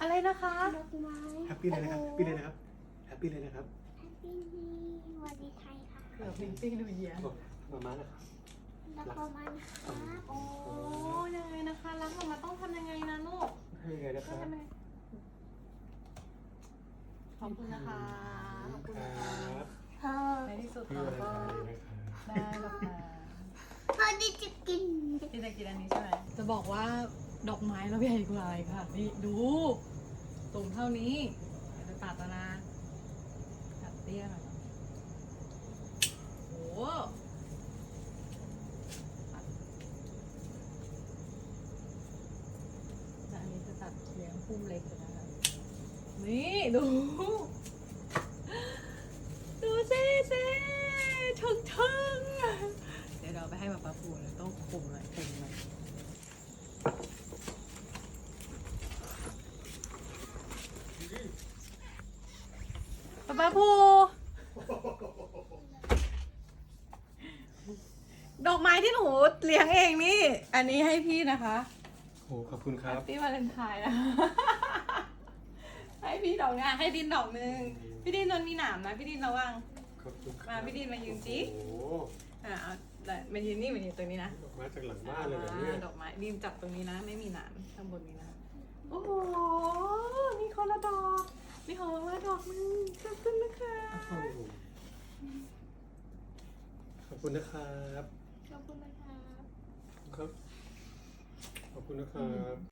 อะไรนะคะดอกไม้แฮปปี้เลยนะครับแฮปปี้เลยนะครับแฮปปี้เลยนะครับแฮปปี้นิววันดีไทยค่ะเกือบพิงปิ้งดูเยียมาม่านะครับแล้วก็มันครับโอ้ยังไงนะคะรักออกมาต้องทำยังไงนะลูกให้ยังไงนะคต้รัองบทำยังไงขอบคุณนะคะขอบคุณคนะรัคะบพ่อในที่สุดพี่เราวันก็ไทยนะครับได้หรอกนะพ่อที่จะกินพี่จะกินอันนี้ใช่ไหมจะบอกว่าดอกไม้เราใหญ่กว่าอะไรค่ะนี่ดูตุ่มเท่านี้เดี๋ยวจะตัดแล้วนะตัดเตี้ยหน่อยโอ้โหแต่อันนี้จะตัดเลี้ยงพุ่มเล็กอยู่นะคะนี่ดู ดูสิทึ่งเดี๋ยวเราไปให้ป๊าปูเลยต้องคุมหน่อยคุมหน่อยป๊าปูดอกไม้ที่หนูเลี้ยงเองนี่ อันนี้ให้พี่นะคะโอ้ขอบคุณครับพี่วาเลนไทน์นะ ให้พี่ดอกนะให้ดินดอกหนึ่งพี่ดินมันมีหนามนะพี่ดินระวังขอบคุณครับมาพี่ดินมายืนสิโอ้โหเอามายืนนี่มายืนตรงนี้นะดอกไม้จากหลังบ้านเลยเหรอเนี่ยดอกไม้ดินจับตรงนี้นะ ไม่มีหนามข้างบนนี้นะ โอ้โหมีคนละดอกมีของมาดอกนึงขอบคุณนะคะโอ้โหขอบคุณนะครับขอบคุณนะคะครับ ขอบคุณนะครับ